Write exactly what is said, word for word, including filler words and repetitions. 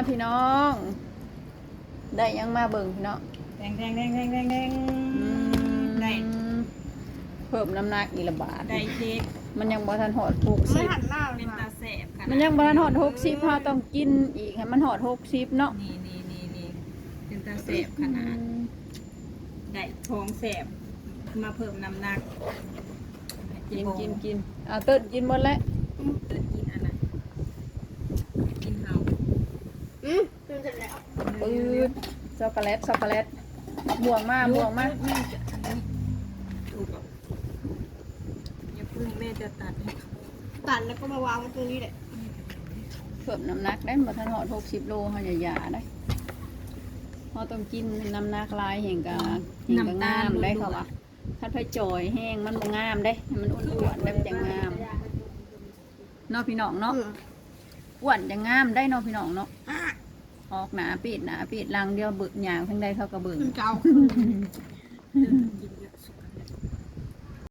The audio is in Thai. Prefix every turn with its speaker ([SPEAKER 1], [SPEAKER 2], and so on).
[SPEAKER 1] พี่น้องได้ยังมาเบิ่งพี่น้อง
[SPEAKER 2] แดงแดงแดงแดงแดงแดงได้
[SPEAKER 1] เพิ่มน้ำหนักอีกละบาท
[SPEAKER 2] ได้เค้ก
[SPEAKER 1] มันยังบ่ทันหอดหกสิบ
[SPEAKER 3] หันหน้า
[SPEAKER 2] เป็นตาแสบค่ะ
[SPEAKER 1] มันยังบ่ทันหอดหกสิบเฮาต้องกินอีกให้มันหอดหกสิบเนาะ
[SPEAKER 2] นี่นี่นี่นี่เป็นตาแสบขนาดได้ท้องแสบมาเพิ่มน้ำหนัก
[SPEAKER 1] กินกินกินเอาเติร์ดกินหมดแล้ว
[SPEAKER 2] เติร์ดกินอันนั้นกินเฮา
[SPEAKER 3] อืมเป็นเสร็จแล้ว
[SPEAKER 1] ปื๊ดช็อกโกแลตช็อกโกแลตบ่วงมาบ่วงมา
[SPEAKER 2] แม่จะอันนี้ถูกอ่ะอย่าพึ่งแม่จะตัดให้เขา
[SPEAKER 3] ตัดแล้วก็มาวางไว้ตรงนี้แหละ
[SPEAKER 1] เพิ่มน้ำหนักได้บ่ทันหอดหกสิบโลเฮาอย่าหยาได้เฮาต้องกินน้ำหนักหลายแห่งกะแห่งกะงามได้เขาว่าถ้าไปจ่อยแห้งมันบ่งามเด้ให้มันอ้วนๆแบบจังงามเนาะพี่น้องเนาะอ้วนจังงามได้เนาะพี่น้องเนาะออกหนาปิดหนาปิดลังเดียวเบิกหยางทั้งใดเขาก็เบิ่ง
[SPEAKER 3] เก่า